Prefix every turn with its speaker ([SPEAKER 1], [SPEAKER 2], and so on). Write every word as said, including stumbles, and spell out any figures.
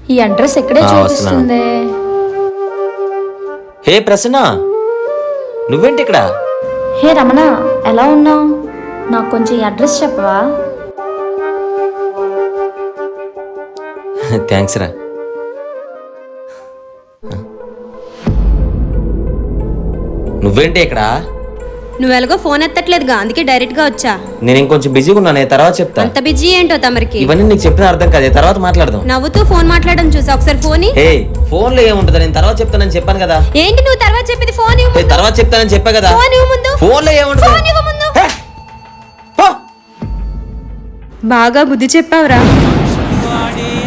[SPEAKER 1] ఈ అడ్రస్ ఎక్కడే చూపిస్తుంది.
[SPEAKER 2] హే ప్రసన్న, నువ్వేంటి ఇక్కడ?
[SPEAKER 1] హే రమణ, ఎలా ఉన్నావు? నాకు కొంచెం ఈ అడ్రస్ చెప్పవా?
[SPEAKER 2] థ్యాంక్స్ రా. నువ్వేంటి ఇక్కడ?
[SPEAKER 3] నువ్వు ఎలాగో ఫోన్ ఎత్తట్లేదుగా, అందుకే డైరెక్ట్ గా వచ్చా.
[SPEAKER 2] నేను ఇంకొంచెం బిజీగా ఉన్నాను, తర్వాత చెప్తా.
[SPEAKER 3] అంత బిజీ ఏంటో తమరికి.
[SPEAKER 2] ఇవన్నీ నీకు చెప్పిన అర్థం కాదే, తర్వాత మాట్లాడదాం.
[SPEAKER 3] నవ్వుతూ ఫోన్ మాట్లాడడం చూసా, ఒకసారి ఫోన్.
[SPEAKER 2] హే, ఫోన్ లో ఏముంటది, నేను తర్వాత చెప్తానని చెప్పాను కదా.
[SPEAKER 3] ఏంటి నువ్వు తర్వాత చెప్పేది? ఫోన్ ఇవ్వు.
[SPEAKER 2] తర్వాత చెప్తానని చెప్పా కదా.
[SPEAKER 3] ఫోన్ ఇవ్వు ముందు.
[SPEAKER 2] ఫోన్ లో ఏముంటది?
[SPEAKER 3] ఫోన్ ఇవ్వు ముందు.
[SPEAKER 2] హే, పో.
[SPEAKER 3] బాగా బుద్ధి చెప్పావురా.